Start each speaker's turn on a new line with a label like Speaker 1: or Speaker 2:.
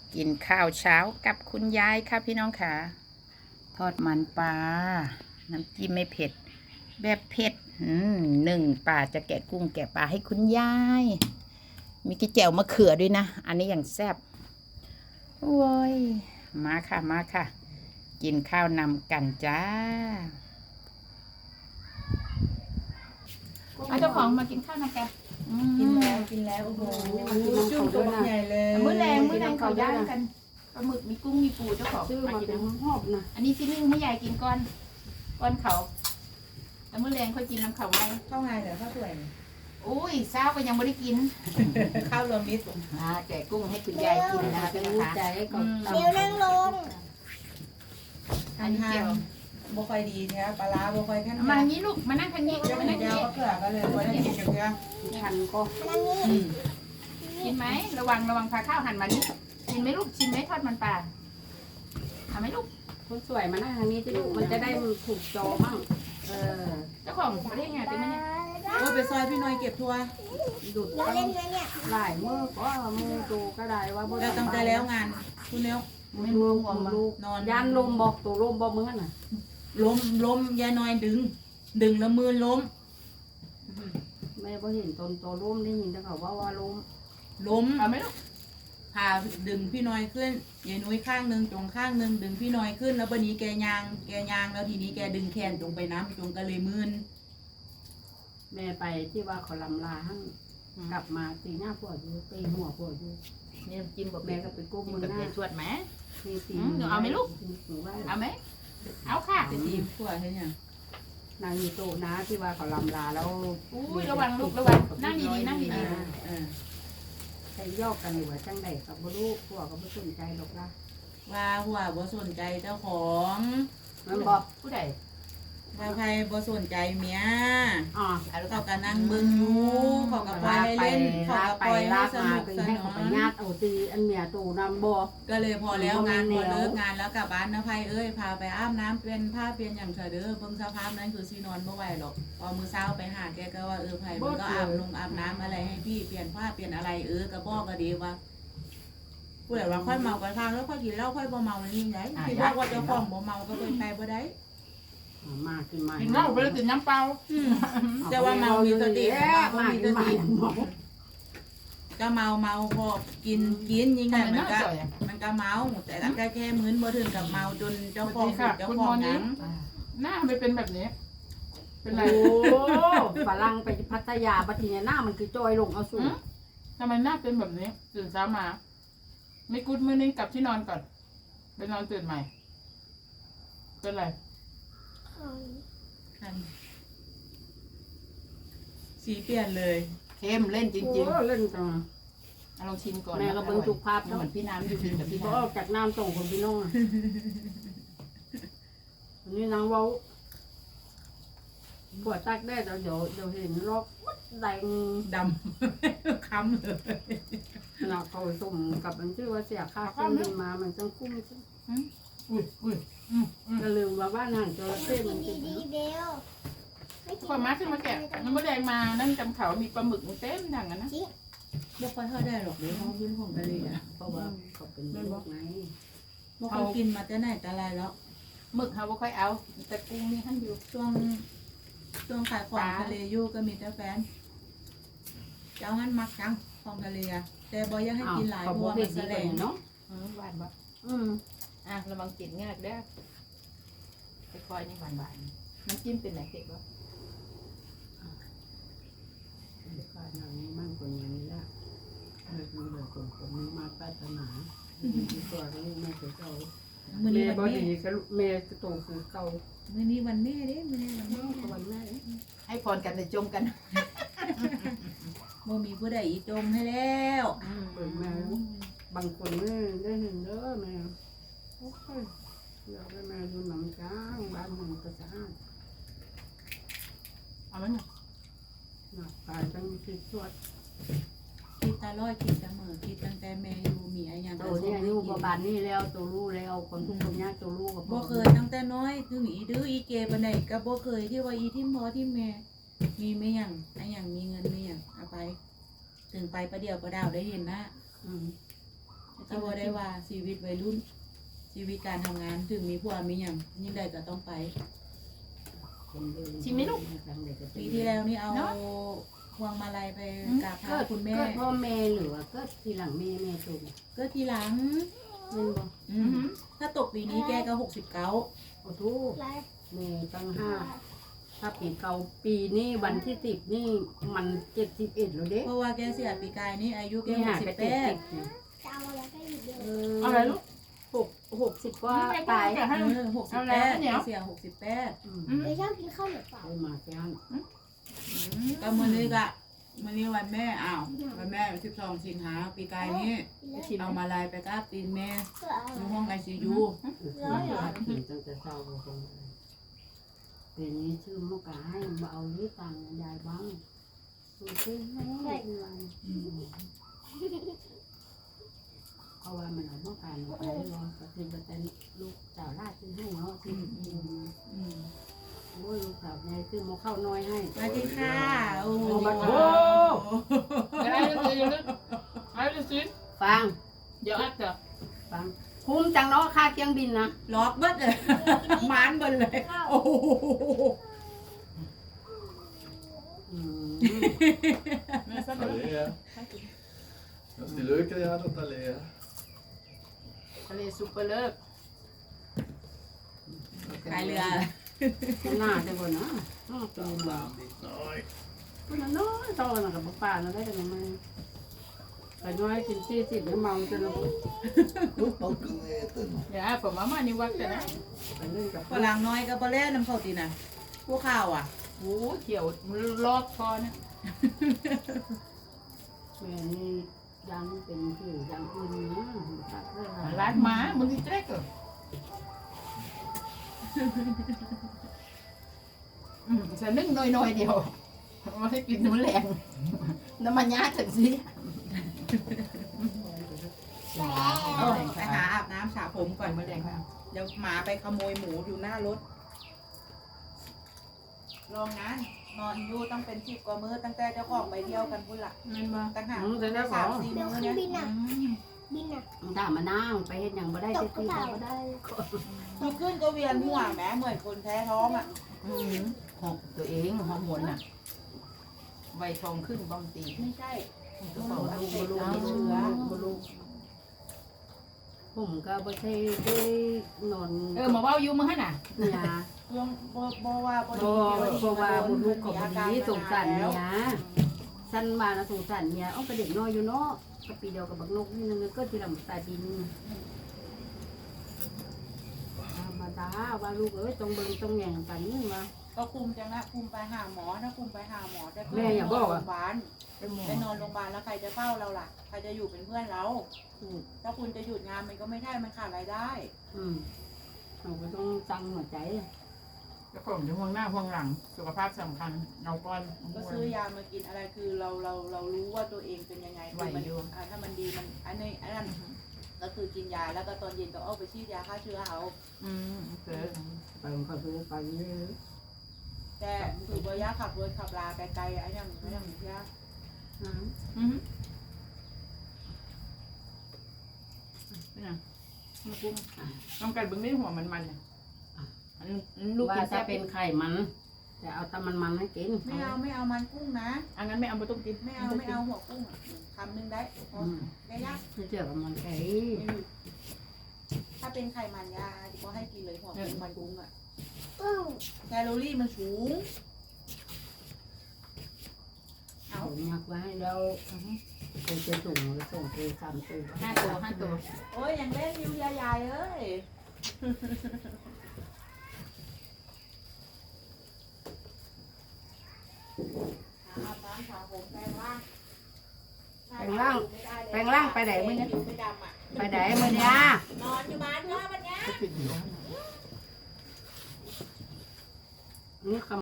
Speaker 1: กินข้าวเช้ากับคุณยายค่ะพี่น้องค่ะทอดมันปลาน้ำจิ้มไม่เผ็ดแบบเผ็ดหนึ่งปลาจะแกะกุ้งแกะปลาให้คุณยายมีกระเจียวมะเขือด้วยนะอันนี้อย่างแซ่บโอ้ยมาค่ะมาค่ะกินข้าวนำกันจ้าเจ้าของมากินข้าวนำกัน
Speaker 2: กินแล้วโอ้โห
Speaker 3: จุ่มตัวใหญ่เลย
Speaker 1: มื้อแรงเขาย่างกันปลาหมึกมีกุ้งมีปูเจ้าของ
Speaker 3: ชื่อ
Speaker 1: มา
Speaker 3: มา
Speaker 1: กิน
Speaker 3: เป็น
Speaker 1: นะ
Speaker 3: หอบนะ
Speaker 1: อันนี้ซินึ่งให้ยายกินก้อนเขาแล้วมื้อแรงค่อยกินน้ำเขาไหม
Speaker 2: ข้าวไงเหรอข้าวสวย
Speaker 1: อุ้ยเช้าก็ยังไม่ได้กิน
Speaker 2: ข้าวรวมมิตร
Speaker 1: แกะกุ้งให้คุณยายกินนะคะพี่
Speaker 3: รู้
Speaker 1: นะคะ
Speaker 3: ใจกับ
Speaker 4: เดี๋ยวนั่งลง
Speaker 1: อันนี้เจียว
Speaker 2: บ่ค่อยดีแท้ปลาร้าบ่ค่อยขั้น
Speaker 1: มาอย่างนี้ลูกมานั่งทางนี้
Speaker 2: เจ้า
Speaker 1: มา
Speaker 2: ห
Speaker 1: นั่
Speaker 2: น้าง
Speaker 1: ทาง
Speaker 2: ยาว
Speaker 1: นี้
Speaker 2: ก็เกลือกันเลยบ่ได้กินกับเกลือ
Speaker 3: ทันก็
Speaker 4: นั่งนี่
Speaker 1: กินไหมระวังพาข้าวหันมานี่กินไหมลูกชิมไหมทอดมันปลาทำไหมลูก
Speaker 3: คนสวยมาหน้าทางนี้ที่ลูกมันจะได้ถูกจอมั่ง
Speaker 1: เจ้าของประเทศไงเป็นไหมเนี่ย
Speaker 2: โอ้ไปซอยพี่น้อยเก็บทัว
Speaker 3: ดุด
Speaker 4: เราเล่นนะเนี่ย
Speaker 3: หลายมือก็มือตูก็ได้ว่า
Speaker 2: แล้วตั้งแต่แล้วงานคุณเนี้ย
Speaker 3: ไม่รู้ของลูกยันลมบอกตัวลมบอกมือน่ะ
Speaker 2: ล้มยายน้อยดึงแล้วมือล้ม
Speaker 3: แม่พอเห็นตนตัวลมได้ยินแต่เขาว่าลม
Speaker 2: ล้ม
Speaker 1: เอาไหมลูก
Speaker 2: พาดึงพี่น้อยขึ้นยายนุ้ยข้างหนึ่งจงข้างหนึ่งดึงพี่น้อยขึ้นแล้ววันนี้แกยางแล้วทีนี้แกดึงแขนจงไปน้ำจงก็เลยมืน
Speaker 3: แม่ไปที่ว่าเขาลำลาหั่งกลับมาตีหน้าปวดอยู่ตีหัวปวดอยู่
Speaker 1: นี่จิ้มกับ
Speaker 3: แม่ก็ไปก้ม
Speaker 1: จิ้ม
Speaker 3: มือ
Speaker 1: กับ
Speaker 3: หน้า
Speaker 1: เยชวดไหม
Speaker 3: ตีตี
Speaker 1: เอาไหมลูก เอาไหมเอาค่ะ
Speaker 2: จะทีมขัวใช่ไหม
Speaker 3: นางอยู่โตนะที่ว่าเขาลำลาแล้ว
Speaker 1: อุ้ยระวังลูกระวังนั่งดีๆนั่งดี
Speaker 3: ใช้ยอกกันหรือว่าจังใดกับบ่ลูกพวกก็บ่สนใจหรอกล่ะ
Speaker 2: ว่าหัวบ่สนใจเจ้าของ
Speaker 3: มันบอก
Speaker 1: ๆผู้ใด
Speaker 2: ว่าใครบ่สนใจเมีย
Speaker 3: อ๋อ
Speaker 2: เขาก็นั่งเบิ่งอยู่เขาก็ปล่อยให้เล่นเขาก็ปล่อยให้สนุกส
Speaker 3: ให้
Speaker 2: นา
Speaker 3: เขาไป
Speaker 2: น
Speaker 3: ญาติเอาตีอันเมียตูนำบ่
Speaker 2: ก็เลยพอแล้วงานพอเลิกงานแล้วกลับบ้านนะไพเอ้ยพาไปอาบน้ำเป็นผ้าเปลี่ยนอย่างเฉยเด้อเบิ่งสภาพนั้นคือสินอนบ่ไหวหรอกพอมื้อเช้าไปหาแกก็ว่าไผมันก็อาบน้ำอะไรให้พี่เปลี่ยนผ้าเปลี่ยนอะไรก็บอกก็ดีว่าผู้ใดว่าค่อยเมากระทางแล้วค่อยกินเหล้าค่อยบ่เมามันนี่ไงที่บอกว่าเจ้าของบ่เมาก็เป็นไปบ่ได้
Speaker 3: มาขึ้นมา
Speaker 1: กินเหล้าไปแล้วกินน้ำเปล่า
Speaker 2: แต่ว่าเมามีสติ
Speaker 3: มาขึ้นมา
Speaker 2: ก็เมาพอกินยิ่งไงมันก็เมาแต่ก็แค่มื้นบ่ถึงกับเมาจนเจ้าของหนัง
Speaker 1: หน้าไม่เป็นแบบนี้ เป็นไร
Speaker 3: โอ้ฝรั่งไปพัทยาบัดนี้หน้ามันคือจอยลงเอาสูง
Speaker 1: ทำไมหน้าเป็นแบบนี้ตื่นเช้ามา ไม่กุดมื้อนึงกลับที่นอนก่อนไปนอนตื่นใหม่ เป็นไร
Speaker 2: สีเปลี่ยนเลย
Speaker 1: เข้มเล่นจริง
Speaker 3: เล่นจัง
Speaker 1: ๆลองชิมก่อน
Speaker 3: แม่ก็เบิ่งทุกภาพ
Speaker 1: เหมือนพี่น้ำอยู่กินกับพี่
Speaker 3: ก็
Speaker 1: น้
Speaker 3: ออกจากน้ำส่งคนพี่น้องนี่นางเว้าปวดตักได้เดี๋ยวเห็นรอบแดง
Speaker 2: ดำ ค้ำเลย
Speaker 3: เราเขาส่งกับมันชื่อว่าเสียค่าเครื่องบินมามันต้องคุ้ม
Speaker 1: อุ้ย
Speaker 3: ก็ลืมว่าบ้านห่างจระเข้
Speaker 4: กิ
Speaker 3: มัน น
Speaker 4: ดี
Speaker 3: ติด
Speaker 4: ดีเบล
Speaker 1: พอมาขึ้นมาแกะน้ำมะแดงมานั่นจำเขามีปลาหมึกเต็มดังนะ
Speaker 2: บ่ค่อยเท่าได้หรอกเดี๋ยวเขาขึ้นของทะเลอ่ะ
Speaker 3: เพราะว่าเขาเป็นโรคไง
Speaker 2: บ่ค่อยกินมาแต่ไหนแต่ไรแล้ว
Speaker 1: หมึกเขาบ่ค่อยเอา แต่กุ้งนี่ท่านอยู่
Speaker 2: ช่วงขายของทะเลอยู่ก็มีแต่แฟนเจ้ามันมักจังของทะเลอ่ะแต่บ่อยากให้กินหลายเพราะว่ามันแสลง
Speaker 3: เนาะ
Speaker 1: หวานบ่
Speaker 3: อืม
Speaker 1: ระวังกินง่ายเด้อค่อยๆนี่หวานๆน้ำจิ้มเป็นไหนเผ็ดวะ
Speaker 3: ค่าหนังมั่งคนอย่างนี้ละดูเลยคนนึงมาปรารถนาตัวนี้ไม่เคยเก่า
Speaker 2: มื้อ
Speaker 3: แม่
Speaker 2: นี้
Speaker 3: บ่
Speaker 2: วัน
Speaker 3: ดี
Speaker 2: แม่
Speaker 3: ก็แม่โตคือเก่า
Speaker 2: มื้อนี้วันแม่เด้มื้อนี้วันแม่
Speaker 3: วันแม่
Speaker 1: ให้พรกันในจมกัน
Speaker 2: บ่มีผู้ใดอีจมให้แล้ว
Speaker 3: เปิดมาบางคนแม่ได้เห็นเด้อแม่โอ้ยเราได้แม่ดูหนังจ้างบ้านมันก็สะอาด
Speaker 1: เอาไหมเนี่ย
Speaker 3: หนักตายตั้งคิดสวด
Speaker 2: คิดตลอดคิดเสมอคิดตั้งแต่แม่อยู่มีอะไรอย่าง
Speaker 3: โตนี่อายุประมาณนี้แล้วตัวรู้แล้วคนทุกคนยากตัวรู้กับ
Speaker 2: บ่เคยตั้งแต่น้อยถึงอีดื้ออีเกปานใดก็บ่เคยที่ว่าอีที่พ่อที่แม่มีไม่หยังไอ้หยังมีเงินไม่หยังเอาไป ถึงไปประเดี๋ยวประดาวได้เห็นนะก็บ่ได้ว่าชีวิตวัยรุ่น ชีวิตการทำงานถึงมีผัวมีหยังยิ่งใดก็ต้องไป
Speaker 1: ชิมไหมลูก
Speaker 2: ปีที่แล้วนี่เอาพวงมาลัยไปกราบเท้าคุณแม่
Speaker 3: เกิดพ่อแม่หรือว่าเกิดทีหลังแม่ตูน
Speaker 2: ก็ทีหลัง
Speaker 3: แม่นบ่
Speaker 2: ถ้าตกปีนี้แกก็69
Speaker 3: โอ้ทูแม่ตั้งห้าถ้าปีเก่าปีนี้วันที่10นี่มัน71แล้วเด้
Speaker 2: เพราะว่าแกเสียปีกายนี่อายุแก
Speaker 3: นี่หายไป70
Speaker 2: 68
Speaker 3: เนี่ย
Speaker 4: จะเอาอะไรก็หยิบเลย
Speaker 1: อะไรลูก
Speaker 3: 60กว่า
Speaker 1: ไม่
Speaker 3: ตาย
Speaker 1: จะให้
Speaker 2: 68แกเสีย68
Speaker 4: ไม่ชอบกินข้าวเหนียวเปล่า
Speaker 3: ไปมาแก้น
Speaker 2: ก็มื้อนี้ก็มื้อนี้วันแม่อ้าววันแม่12สิงหาปีกายนี้เอามาลายไปกราบตีนแม่ในห้อง ICU
Speaker 3: กินตั้งแต่เช้าบ่คงปีนี้ชื่อมกาให้มาเอานี้ตังค์ยายบ้างซื้อซื้อให้เพราะว่ามันเอามกาหนูไปรอก็คือจะเป็นลูกสาวราชซื้อให้เนาะที่โอ้ยลูกสาวยายซื้อมเข้าน้อยให้
Speaker 2: สวัสดีค่ะโอ้โห
Speaker 1: อะไรลูกเดี๋ยวลูกอะไรลูกสิ
Speaker 3: ฟัง
Speaker 1: เดี๋ยวอัดเดี๋ยว
Speaker 3: ฟังคุ้มจังเนาะค่าเครื่องบินนะ
Speaker 2: ล็อกเบิดเลยมานเบิดเลยโอ้โห
Speaker 5: Allez, hein. C'est le qu'il y a dans allée, hein.
Speaker 1: ทะเลซุปเปอร์เลิฟ
Speaker 2: ขายเรือ
Speaker 3: หน้าจะบ่เนาะตัวมา
Speaker 5: Nej.
Speaker 3: คนน้อยโตน่ะกับป้าน่ะได้กันมาไปน้อยกิน40แล้วเมาจน
Speaker 5: Upp och äta.
Speaker 1: เดี๋ยวผมมามานี่วัดกันนะ
Speaker 3: ไปเล่นกับ
Speaker 2: ฝรั่งน้อยก็บ่เล่นน้ำเข้าตีน่ะพวกข้าวอ่ะ
Speaker 1: โอ้เขียวมันลอกคอนะ
Speaker 3: แม่นี่ยังเป็นคือยังอื่นนะตัดเวลา
Speaker 1: ร้านหมามึงที่แจ๊กเหรอฉันนึ่งน้อยๆเดียวมาให้กินน้ำแรงน้ำมันยาถึงสิ
Speaker 2: เออไปหาอาบน้ำสระผมก่อน
Speaker 1: มาแรงค่ะ
Speaker 2: เดี๋ยวหมาไปขโมยหมูอยู่หน้ารถรองงานนอนอยู่ต้องเป็น10กว่ามื้อตั้งแต่เจ้าของไปเที่ยวกันพุ่นล่ะ
Speaker 1: นั่นบ่
Speaker 2: ตั้งหาก
Speaker 3: จะได้บอ
Speaker 2: 3-4 มื้อเนี่ย
Speaker 4: บินอ่ะ
Speaker 3: ถ้ามานั่งไปเฮ็ดหยังบ่ได้ที่บ่ได้
Speaker 2: ลุกขึ้นก็เวียนหัวแหมเหมือนคนแพ้ท้องอ่ะ
Speaker 1: หอบตัวเองฮอร์โมนน่ะใบทองขึ้นบ้องตี
Speaker 2: ไม่ใช่
Speaker 1: กระเป๋า
Speaker 3: บ่รู้บ่รู้ผมก็บ่ใช่ได้นอน
Speaker 1: มาเว้าอยู่มึงหั่นน่ะ
Speaker 3: ยา
Speaker 2: เรื่องบ่ว่าบ่
Speaker 3: บ่ว่าบ่ลูกก็บ่ดีสงสารเมียฉันมานะสงสารเมียเอาไปเด็กน้อยอยู่เนาะก็ปีเดียวกับบักนกนี่นึงก็ทีหลังตายปีนึงมาตาว่าลูกเอ้ยต้องเบิ่งต้องแย่งกันนี่ว่า
Speaker 2: ก็คุมจังนะคุมไปหาหมอถ้าคุมไปหาหมอจะ
Speaker 3: แม่อย่าบอกอะ
Speaker 2: โรงพยาบาลไปนอนโรงพยาบาลแล้วใครจะเฝ้าเราล่ะใครจะอยู่เป็นเพื่อนเราถ้าคุณจะหยุดงานมันก็ไม่ได้มันขาดรายได้
Speaker 3: เราก็ต้องตั้งหัวใจ
Speaker 1: แล้วผมจะห่วงหน้าห่วงหลังสุขภาพสำคัญเราก่อน
Speaker 2: ก็ซื้อยามากินอะไรคือเรารู้ว่าตัวเองเป็นยังไงคือมันถ้ามันดีมันอันนั้นก็คือกินยาแล้วก็ตอนเย็นก็เอาไปฉีดยาฆ่าเชื้อเอา
Speaker 1: เกิด
Speaker 3: ไปก็ดูไปเรื่อย
Speaker 2: แต่ถือว่ายาขับรถขับลาไกลๆไอ้ยังไม่ยังยา
Speaker 1: ต้องการบึ้งได้หัวมันเนี่ยลูก
Speaker 3: ว่า
Speaker 1: กิน
Speaker 3: จะ
Speaker 1: แซ่บ
Speaker 3: เป็นไข่มันจะเอาแต่มันให้กิน
Speaker 2: ไม่เอามันกุ้งนะ
Speaker 1: อันนั้นไม่เอาไปต้มกิน
Speaker 2: ไม่เอาหัวกุ้งคำนึงได้ได้ยาก
Speaker 3: จะเจอกับมันไอ้
Speaker 2: ถ้าเป็นไข่มันยาก็ให้กินเลยหัวกุ้งมันกุ้งอ่ะ
Speaker 4: อืม
Speaker 2: แคลอรี่มันสูง
Speaker 3: เอาหมักไว้แล้วเคยจะส่งแล้วส่งเคย3 ตัว
Speaker 1: 5 ตัว
Speaker 2: โอ้ยยังเล่นอยู่ยายเอ้ยอาบน้ำสระผมแปรงร่าง
Speaker 3: แปลงร่างไปไหนมื้อนี้
Speaker 2: ไปดำอ่ะ
Speaker 3: ไปไหนมื้อนี้
Speaker 2: นอนอยู่บ้านเนาะวันเนี้ย
Speaker 3: นี่คำ